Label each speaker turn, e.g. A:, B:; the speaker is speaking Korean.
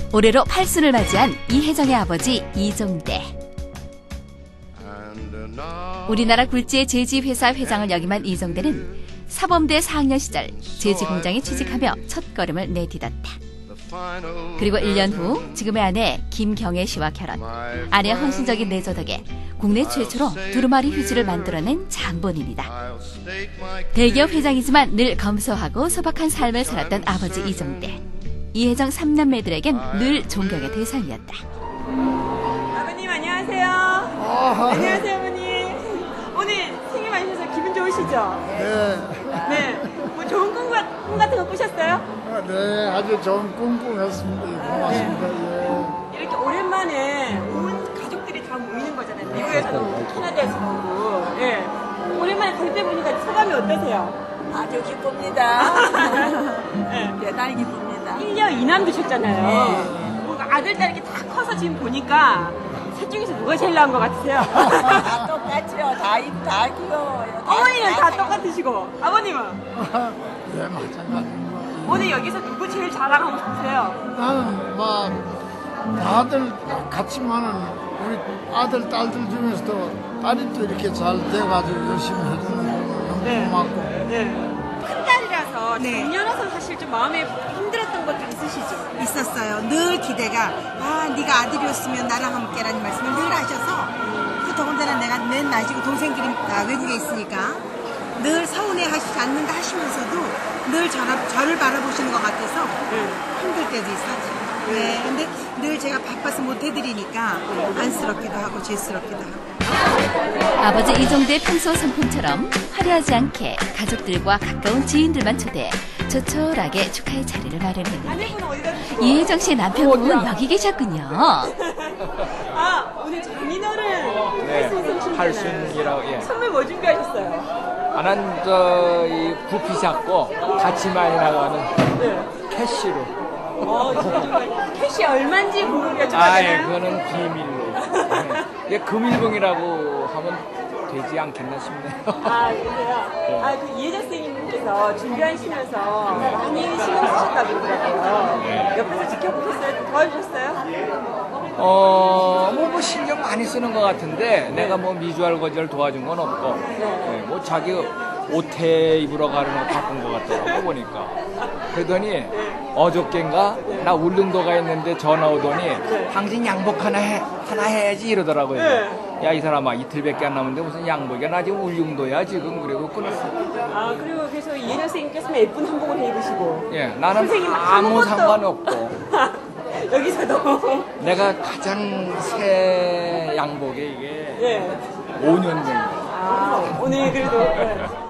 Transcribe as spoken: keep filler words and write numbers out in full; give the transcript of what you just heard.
A: 올해로 팔순을 맞이한 이혜정의 아버지 이종대. 우리나라 굴지의 제지회사 회장을 역임한 이종대는 사범대 사 학년 시절 제지공장에 취직하며 첫걸음을 내디뎠다. 그리고 일 년 후 지금의 아내 김경애 씨와 결혼, 아내의 헌신적인 내조 덕에 국내 최초로 두루마리 휴지를 만들어낸 장본인이다. 대기업 회장이지만 늘 검소하고 소박한 삶을 살았던 아버지 이종대. 이혜정 삼남매들에겐 늘 존경의 대상이었다.
B: 아버님 안녕하세요. 아, 안녕하세요 어머니. 오늘 생일 많으셔서 기분 좋으시죠?
C: 네.
B: 네. 뭐 좋은 꿈, 꿈 같은 거 꾸셨어요?
C: 아, 네, 아주 좋은 꿈 꾸셨습니다. 고맙습니다. 네.
B: 이렇게 오랜만에 온 가족들이 다 모이는 거잖아요. 미국에서도 오고 캐나다에서도 오고. 예. 오랜만에 가족들 보니까 소감이 어떠세요?
D: 아주 기쁩니다.
B: 네.
D: 대단히 기쁩니다.
B: 일 년 이남 두셨잖아요.
D: 네.
B: 뭐 아들, 딸 이렇게 다 커서 지금 보니까 셋 중에서 누가 제일 나은 것 같으세요?
D: 다 똑같죠. 다, 입- 다 귀여워요. 다-
B: 어머니는 다
D: 잘-
B: 똑같으시고 아버님은?
C: 네, 마찬가지입니다.
B: 오늘 여기서 누구 제일 자랑하고 싶으세요?
C: 나는 막 다들 같지만은 우리 아들, 딸들 중에서도 딸이 또 이렇게 잘 돼가지고 열심히 해주는 거 너무
B: 네.
C: 고맙고.
B: 네. 큰 딸이라서
E: 네.
B: 작년에서 사실 좀 마음에 힘들었던 것도 있으시죠?
E: 있었어요. 늘 기대가 아 네가 아들이었으면 나랑 함께라는 말씀을 늘 하셔서 그 더군다나 내가 맨 나이지고 동생들이 다 외국에 있으니까 늘 서운해하시지 않는가 하시면서도 늘 저를, 저를 바라보시는 것 같아서 힘들 때도 있었죠. 네, 근데 늘 제가 바빠서 못 해드리니까 안쓰럽기도 하고 죄스럽기도 하고.
A: 아버지 이종대의 평소 성품처럼 화려하지 않게 가족들과 가까운 지인들만 초대해 조촐하게 축하의 자리를 마련했는데
B: 아내분은 어디다 두시고?
A: 이혜정 씨의 남편분 여기 계셨군요.
B: 아, 오늘 장인어른 팔순
F: 팔순이라고, 예.
B: 선물 뭐 준비하셨어요?
F: 나는 저, 이 부피 작고 같이 많이 나가는
B: 네.
F: 캐시로.
B: 어, 진짜 캐시 얼마인지 궁금해요.
F: 아, 예, 그거는 비밀로. 예. 금일봉이라고 하면 되지 않겠나 싶네요.
B: 아, 그러세요? 아, 그 이혜정 선생님께서 준비하시면서 많이 신경 쓰셨다고 그러더라고요. 옆에서 지켜보셨어요? 도와주셨어요?
F: 어, 뭐, 뭐 신경 많이 쓰는 것 같은데 내가 뭐 미주알 거절 도와준 건 없고, 예, 뭐 자기 옷에 입으러 가는 거 바쁜 것 같더라고 보니까. 그러더니 어저께인가 나 울릉도가 있는데 전화 오더니 당신 양복 하나 해 하나 해야지 이러더라고요. 야, 이 사람아 이틀밖에 안 남았는데 무슨 양복이야? 나 지금 울릉도야 지금. 그리고 끊었어.
B: 아, 그리고 그래서 이혜정 선생님께서는 예쁜 한복을 해입으시고.
F: 예, 나는
B: 선생님
F: 아무
B: 아무것도-
F: 상관없고
B: 여기서도.
F: 내가 가장 새 양복에 이게
B: 예.
F: 오 년 된 거.
B: 아, 오늘 그래도. 네.